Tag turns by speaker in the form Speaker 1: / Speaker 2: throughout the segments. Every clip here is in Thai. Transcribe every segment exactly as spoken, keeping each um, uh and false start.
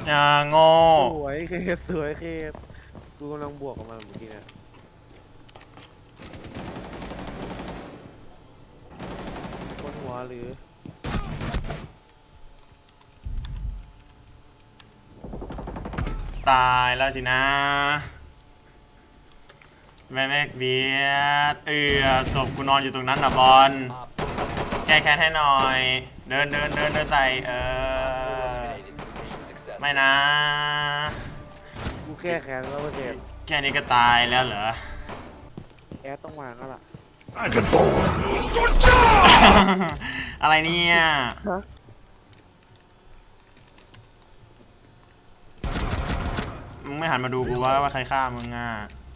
Speaker 1: อย่างโง่
Speaker 2: สวยเคสสวยเคสกูกำลังบวกกับมันเมื่อกี้เนี่ยบนหัวหรือ
Speaker 1: ตายแล้วสินะแม่แม่เบียดเอือศพกูนอนอยู่ตรงนั้นนะบอลแก้แค้นให้หน่อย เดินเดินเดินเดินใส่เออไม่นะ
Speaker 2: กูแค่แขนแล้วเคส
Speaker 1: แค่นี้ก็ตายแล้วเหรอ
Speaker 2: แอดต้องวางแล้วล่ะ
Speaker 1: อะไรเนี่ยมึงไม่หันมาดูกูว่าว่าใครฆ่ามึงอ่ะ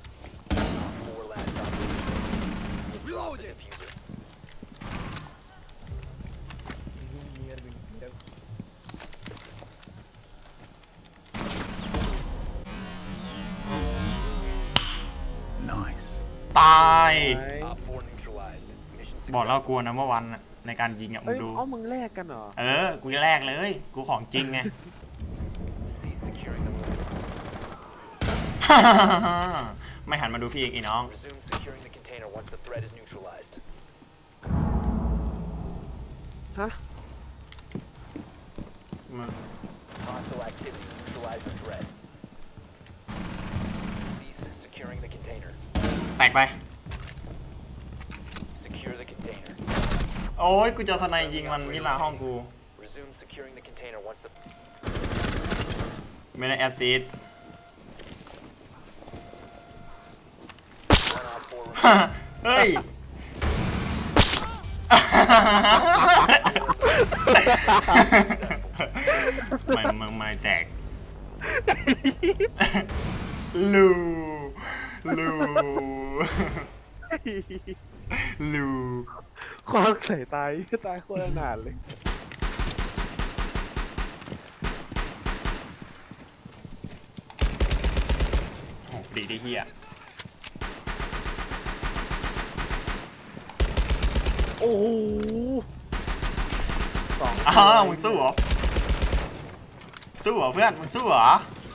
Speaker 1: ตาย บอกแล้วกลัวนะเมื่อวันในการยิงอ่ะมึ
Speaker 2: เอ้
Speaker 1: ง
Speaker 2: ย
Speaker 1: ดู
Speaker 2: เอ้ามึงแลกกันเหรอ
Speaker 1: เออ กูแรกเลย กูของจริงไง ไม่หันมาดูพี่อีกอีน้อง
Speaker 2: ฮะ
Speaker 1: แตกไป โอ้ย กูจะสไนยิงมันมิลาห้องกู ไม่ได้แอดซีดเฮ้ย ไม่ไม่ไม่แตก ลูลูลู
Speaker 2: ควักใส่ตายตายโคตรนานเลย
Speaker 1: โอ้ดีดีเฮีย
Speaker 2: โอ้โหสอง
Speaker 1: อ้าวมึงสู้เหรอ สู้เหรอเพื่อน มึงสู้เหรอ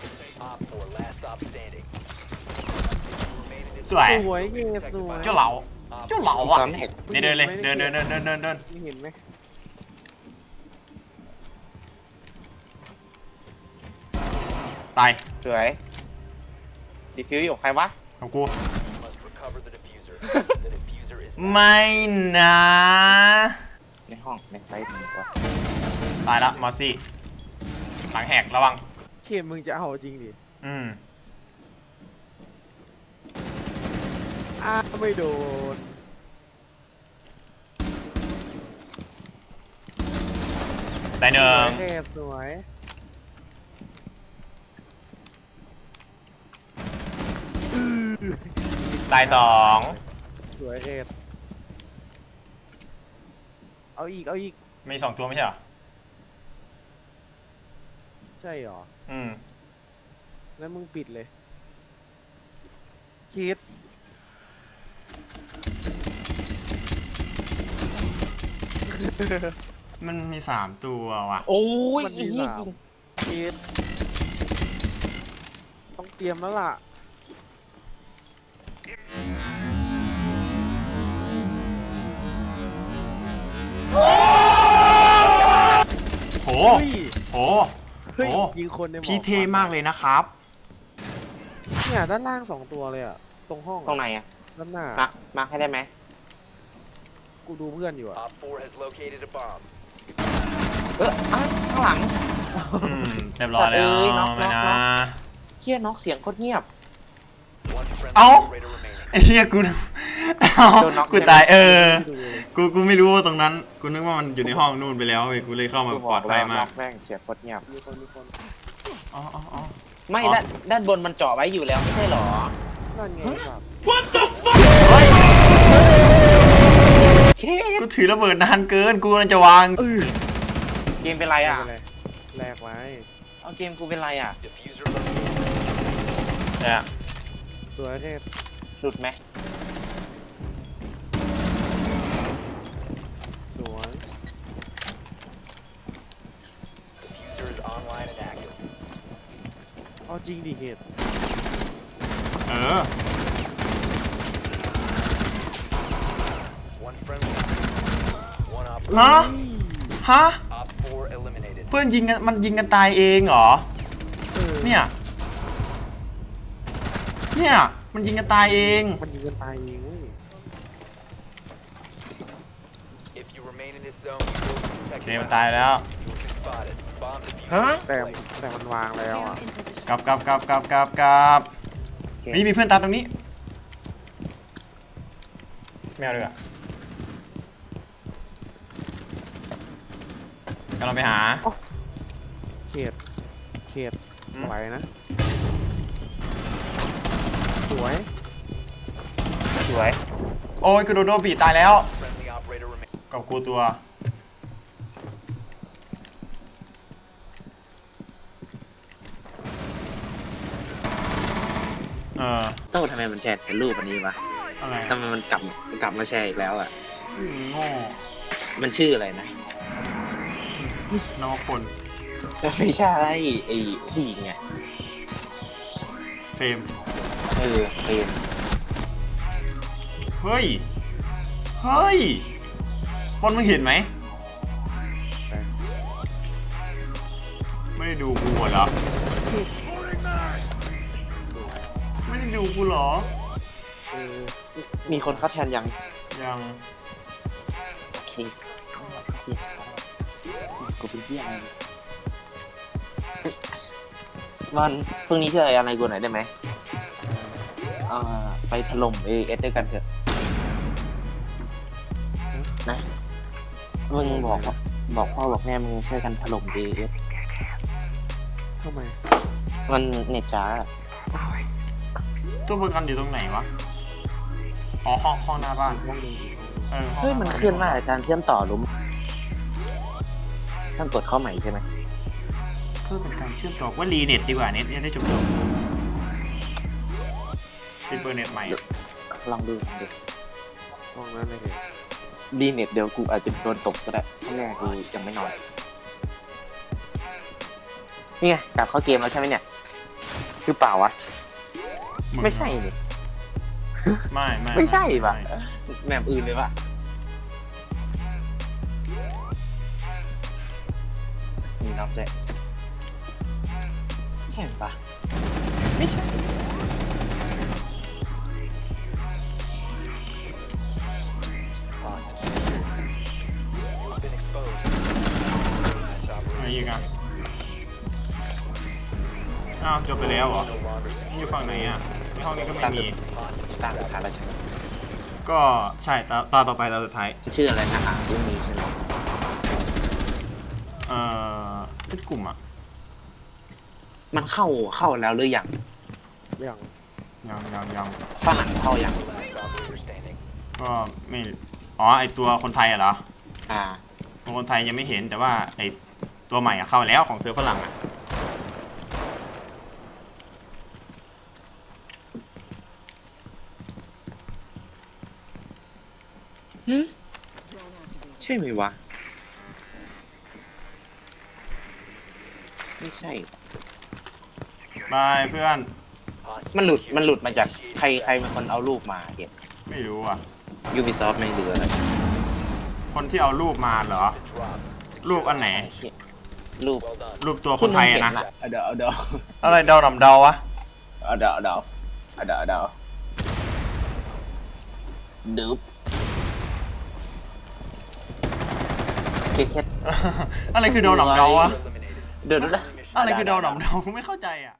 Speaker 1: สวย
Speaker 2: สวยเงี้ยสวย
Speaker 1: เจ้าเหลาเจ้าเหลาอ่ะเดินเดินเลย เดินเดินเดินเดินเดินเดิน
Speaker 2: ไม่เห็นไหม
Speaker 1: ตาย
Speaker 3: สวยดีฟิวอยู่ใครวะ
Speaker 1: ของกู ไม่นะ
Speaker 3: ในห้องในไซต์นี่วะ
Speaker 1: ตายละมอสซี่ หลังแหกระวัง
Speaker 2: เขมมึงจะเอาจริงดิ
Speaker 1: อืม
Speaker 2: อ้าไม่โดน
Speaker 1: ตายหนึ่ง
Speaker 2: เทพสวย
Speaker 1: ตายสอง
Speaker 2: สวยเทพเอาอีกเอาอีก
Speaker 1: มีสองตัวไม่ใช่เหรอ
Speaker 2: ใช่หรอ
Speaker 1: อืม
Speaker 2: แล้วมึงปิดเลยคิด
Speaker 1: มันมีสามตัวว่ะ
Speaker 3: โอ้ย
Speaker 2: มัน
Speaker 3: อี
Speaker 2: มี
Speaker 3: ก
Speaker 2: สามคิดต้องเตรียมแล้วล่ะ
Speaker 1: โห
Speaker 2: เฮ้ย
Speaker 1: โห
Speaker 2: เฮ้ย
Speaker 1: โห
Speaker 2: ยิงคนในหมอก
Speaker 1: พี่เท่มากเลยนะครับ
Speaker 2: เนี่ยด้านล่างสองตัวเลยอะตรงห้อง
Speaker 3: ตรงไหนอะ
Speaker 2: ด้านหน้า
Speaker 3: มามาให้ได้ไหม
Speaker 2: กูดูเพื่อนอยู่อะ
Speaker 3: เอออ่ะข้างหลัง
Speaker 1: อืมเรียบร้อยแล้ว
Speaker 3: สัตว์เอ้ยน็อก
Speaker 1: ไม่
Speaker 3: น็
Speaker 1: นะ
Speaker 3: อกน็อก เฮียน็อกเสียงโคตรเงียบ
Speaker 1: เอ้า ไอ้เหี้ยกูเอ้า
Speaker 3: โดนน็อก
Speaker 1: กู
Speaker 3: ใช่ไหม
Speaker 1: ตายเออ
Speaker 2: ไม่ดูเลย
Speaker 1: กูกูไม่รู้ว่าตรงนั้น กูนึกว่ามันอยู่ในห้องนู่นไปแล้วเว้ยกูเลยเข้ามาปลอดภัยมา
Speaker 3: น็
Speaker 1: ก
Speaker 3: อกแม่งเสียงโคตรเงียบ
Speaker 2: มีคนมีคน
Speaker 1: อ๋ออ๋ออ๋อ
Speaker 3: ไม่
Speaker 1: อ๋อ
Speaker 3: ด้านด้านบนมันเจาะไว้อยู่แล้วไม่ใช่หรอ
Speaker 2: นั่นไงครับ
Speaker 1: เฮ้ย
Speaker 3: เค
Speaker 1: กูถือระเบิดนานเกิน กูกำลังจะวาง
Speaker 2: เออ
Speaker 3: เกมเป็นไร
Speaker 2: ไม่
Speaker 3: อ่ะ
Speaker 2: เป็นไรแลกไว้
Speaker 3: เอาเกมกูเป็นไรอ่ะ
Speaker 1: เนี่ย
Speaker 2: สวยเทพ
Speaker 3: หลุดไหม
Speaker 2: สวย
Speaker 1: อ
Speaker 2: เอาจริงดิเหตุ
Speaker 1: เออ
Speaker 4: One friendly. One op.
Speaker 1: ฮะ ฮะ
Speaker 4: Op four eliminated.
Speaker 1: เพื่อนยิงกันมันยิงกันตายเองเหรอ
Speaker 2: เออ
Speaker 1: เนี่ย เนี่ย มันยิงกันตายเอง
Speaker 2: มันยิงกันตายเองเว้ย
Speaker 4: If you remain in this zone, you will be
Speaker 1: โอ
Speaker 4: detected.
Speaker 1: เคมันตายแล้ว
Speaker 4: You will be spotted. Bomb defused.
Speaker 3: ฮะ
Speaker 2: แต่แต่มันวางแล้วอ่ะ
Speaker 5: Cam in position.
Speaker 1: กลับกลับกลับกลับกลับกลับนี่มีเพื่อนตามตรงนี้ไม่เอาเลยอะกำลังไปหา
Speaker 2: เขตเขต
Speaker 1: อื
Speaker 2: ส
Speaker 1: ม
Speaker 2: วยนะ สวย
Speaker 3: สวย
Speaker 1: โอ้ยกูโดนโดนบีตายแล้ว
Speaker 4: Friendly operator remains.
Speaker 1: กับกูตัว เออ
Speaker 3: โต้ทำไมมันแชร์แต่รูปอันนี้วะ
Speaker 1: อะไร
Speaker 3: ทำไมมันกลับกลับมาแชร์อีกแล้วอ่ะ
Speaker 1: อืมโง่
Speaker 3: มันชื่ออะไรนะ
Speaker 1: นวพล
Speaker 3: ไม่ใช่ไอ้ผู้หญิงไง
Speaker 1: เฟรม
Speaker 3: เออเป็น
Speaker 1: เฮ้ย เฮ้ยบอลมึงเห็นไหม ไม่ได้ดูกูเหรอ ไม่ได้ดูกูเหรอ
Speaker 2: เออ
Speaker 3: มีคนเข้าแทนยัง
Speaker 1: ยัง
Speaker 3: โอเคกูเป็นเพี้ยอะไรมันพรุ่งนี้ช่วยอะไรกูหน่อยได้ไหมอ่าไปถล่มเอเอสด้วยกันเถอะนะมึงบอกว่าบอกพ่อบอกแม่มึงช่วยกันถล่มเอเอส
Speaker 2: ทำไม
Speaker 3: มันเน็ตจ้า
Speaker 1: ตัวประกันอยู่ตรงไหนวะ อ๋อห้องห้องหน้าบ้าน
Speaker 2: ห้องนี้
Speaker 1: เออห้อง
Speaker 3: เฮ้ย
Speaker 1: หา
Speaker 3: มัน
Speaker 1: บ้า
Speaker 3: เคลื่อนมากอาจารย์เชื่อมต่อหรือต้องกดเข้าใหม่ใช่ไหม
Speaker 1: เพื่อเป็นการเชื่อมต่อว่ารีเน็ตดีกว่าเน็ตจะได้จบจบติดเบอร์เน็ตใหม่
Speaker 3: ลองดูลองดู
Speaker 2: ห้องนั้นเลยเหตุ
Speaker 3: ดีเน็ตเดี๋ยวกูอาจจะโดนตกก็ได้เพราะแม่กูยังไม่นอนนี่ไงกลับเข้าเกมแล้วใช่ไหมเนี่ยคือเปล่าวะ
Speaker 1: ง
Speaker 3: ไม่ใช่นี่
Speaker 1: ไม่ไม่
Speaker 3: ไม่ใช่ปะ
Speaker 1: ไม่
Speaker 3: แบบอื่นเลยปะมีน็อกด้วยใช่ปะไม่ใช่
Speaker 4: You've been exposed. Nice
Speaker 1: อะไร
Speaker 4: operation.
Speaker 1: อีกอ่ะอ้าวจบไปแล้วเหรอ
Speaker 4: No longer
Speaker 1: นี่อยู่ฝั่งไหนอ่ะในห้องนี้ก็ไม่มี
Speaker 3: ตาสุดท้ายแล้วใช่ไหม
Speaker 1: ก็ใช่ตาตาต่อไปตาสุดท้าย
Speaker 3: ชื่ออะไรนะอ่านเรื่องนี้ใช่ไหม
Speaker 1: เอ่อเป็นกลุ่มอ่ะ
Speaker 3: มันเข้าเข้าแล้วหรือยัง
Speaker 2: เรื่อง
Speaker 1: ยังยังยัง
Speaker 3: ฝรั่งเข้ายัง
Speaker 4: operator standing.
Speaker 1: ก็ไม่ อ๋อ ไอตัวคนไทยอ่ะเหรอ
Speaker 3: อ่า
Speaker 1: ตัวคนไทยยังไม่เห็นแต่ว่าไอตัวใหม่อ่ะเข้าแล้วของเซิร์ฟฝรั่งอ่ะ
Speaker 3: ใช่ไหมวะ ไม่ใช่
Speaker 1: บายเพื่อน
Speaker 3: มันหลุดมันหลุดมาจากใครใครเป็นคนเอารูปมาเก็บ
Speaker 1: ไม่รู้อ่ะ
Speaker 3: Ubisoft ไม่เหลืออะไร
Speaker 1: คนที่เอารูปมาเหรอ
Speaker 4: Drop.
Speaker 1: รูปอันไหน
Speaker 3: รูป
Speaker 4: Well done.
Speaker 1: รูปตัวคนไทยอะนะ
Speaker 3: เอาเดาเอาเดา
Speaker 1: อะไรเดาดำเดาวะ
Speaker 3: เอาเดาเอาเดาเอาเดาเอาเดาดึบเคส
Speaker 1: อะไรคือเดาดำเดาวะ
Speaker 4: Eliminated.
Speaker 3: เดี๋ยวดูนะ
Speaker 1: อะไรคือเดาดำเดากูไม่เข้าใจอ่ะ